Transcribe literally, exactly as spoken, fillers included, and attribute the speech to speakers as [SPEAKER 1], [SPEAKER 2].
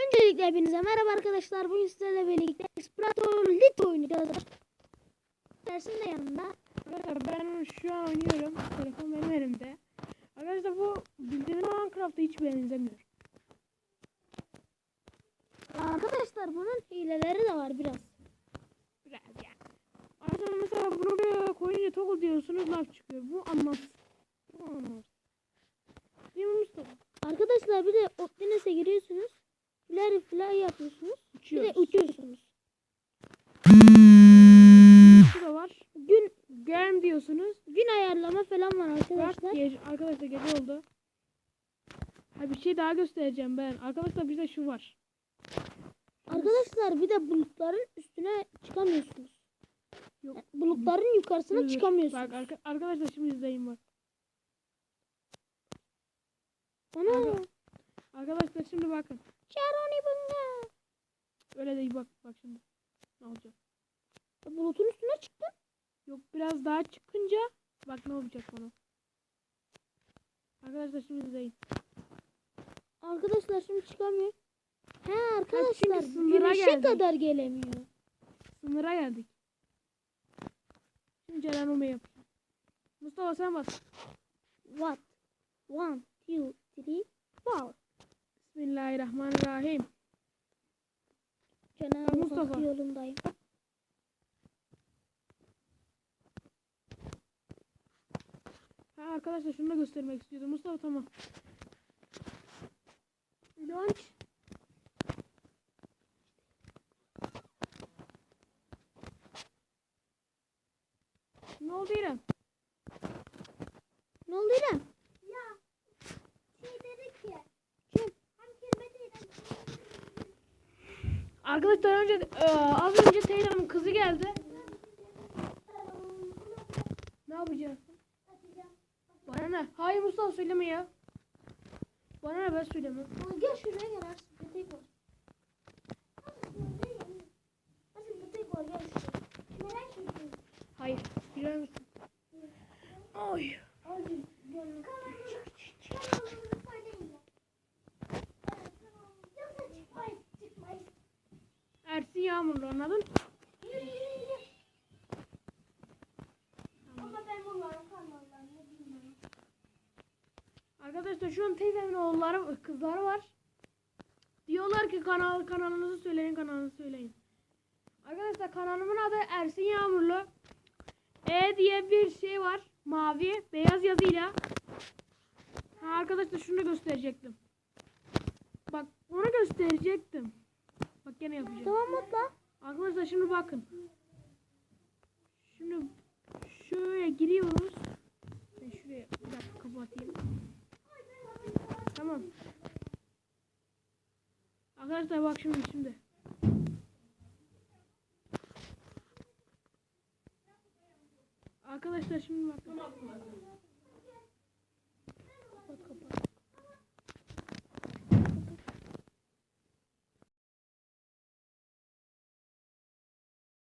[SPEAKER 1] Öncelikle hepinize merhaba arkadaşlar. Bugün sizlerle birlikte Explorator Lit oynayacağız. Dersin de yanında.
[SPEAKER 2] Arkadaşlar ben şu an oynuyorum. Telefon benim elimde. Arkadaşlar bu bildiğiniz Minecraft'a hiç benzemiyor.
[SPEAKER 1] Arkadaşlar bunun hileleri de var biraz.
[SPEAKER 2] Biraz yani. Arkadaşlar mesela bunu bir koyunca toggle diyorsunuz, laf çıkıyor. Bu anlamsız. Bu anlamsız. Değil mi Mustafa?
[SPEAKER 1] Arkadaşlar bir de Optines'e giriyorsunuz. Fly fly yapıyorsunuz.
[SPEAKER 2] Uçuyoruz.
[SPEAKER 1] Bir de uçuyorsunuz.
[SPEAKER 2] Şu da var.
[SPEAKER 1] Gün
[SPEAKER 2] Game diyorsunuz.
[SPEAKER 1] gün ayarlama falan var arkadaşlar.
[SPEAKER 2] Bak, gece, arkadaşlar gece oldu. Ha, bir şey daha göstereceğim ben. Arkadaşlar bize şu var.
[SPEAKER 1] Arkadaşlar bir de bulutların üstüne çıkamıyorsunuz.
[SPEAKER 2] Yok.
[SPEAKER 1] Yani bulutların yukarısına
[SPEAKER 2] Dur, dur.
[SPEAKER 1] çıkamıyorsunuz.
[SPEAKER 2] Bak arka, arkadaşlar şimdi izleyin bak.
[SPEAKER 1] Ana.
[SPEAKER 2] Arka- Arkadaşlar şimdi bakın.
[SPEAKER 1] Şaroni bunga.
[SPEAKER 2] Öyle değil, bak bak şimdi. Ne olacak?
[SPEAKER 1] Bulutun üstüne çıktı.
[SPEAKER 2] Yok, biraz daha çıkınca bak ne olacak bana. Arkadaşlar şimdi izleyin.
[SPEAKER 1] Arkadaşlar şimdi çıkamıyor. He arkadaşlar
[SPEAKER 2] çünkü sınıra
[SPEAKER 1] güneşe
[SPEAKER 2] geldik.
[SPEAKER 1] kadar gelemiyor.
[SPEAKER 2] Sınıra geldik. Şimdi Cerenome yapacağım. Mustafa sen bas.
[SPEAKER 1] What? One, two, three, four.
[SPEAKER 2] Bismillahirrahmanirrahim.
[SPEAKER 1] Cenab-ı
[SPEAKER 2] Mustafa.
[SPEAKER 1] Hak yolundayım.
[SPEAKER 2] Ha arkadaşlar şunu da göstermek istiyordum. Mustafa tamam.
[SPEAKER 1] Launch.
[SPEAKER 2] Ne oldu İrem?
[SPEAKER 1] Ne oldu İrem?
[SPEAKER 3] Ya şey dedi ki
[SPEAKER 1] Kim?
[SPEAKER 3] hem kelime değil.
[SPEAKER 2] Arkadaşlar önce e, az önce teyzemin kızı geldi. Ne yapacaksın? Bana ne? Hayır Mustafa söyleme ya. Bana ne, ben söylemem.
[SPEAKER 1] Gel şuraya gel Arsın. Petek var. Arsın petek var gel şuraya.
[SPEAKER 3] Merak ediyorum.
[SPEAKER 2] Hayır. Bilir misin? Oy.
[SPEAKER 3] Kanalımızı söyleyin ya. Yoksa çıkmayız çıkmayız.
[SPEAKER 2] Ersin Yağmurlu, anladın?
[SPEAKER 3] Yürü yürü yürü. Ama ben bunların kanallarını bilmiyorum.
[SPEAKER 2] Arkadaşlar şu an teyzemin oğulları, kızları var. Diyorlar ki kanal kanalınızı söyleyin, kanalınızı söyleyin. Arkadaşlar kanalımın adı Ersin Yağmurlu. E diye bir şey var. Mavi, beyaz yazıyla. Ha arkadaşlar şunu gösterecektim. Bak onu gösterecektim. Bak gene yapacağım.
[SPEAKER 1] Tamam mutla.
[SPEAKER 2] Arkadaşlar şimdi bakın. Şimdi şöyle giriyoruz. Ben şuraya bir dakika kapatayım. Tamam. Arkadaşlar bak şimdi şimdi. Arkadaşlar şimdi bakın.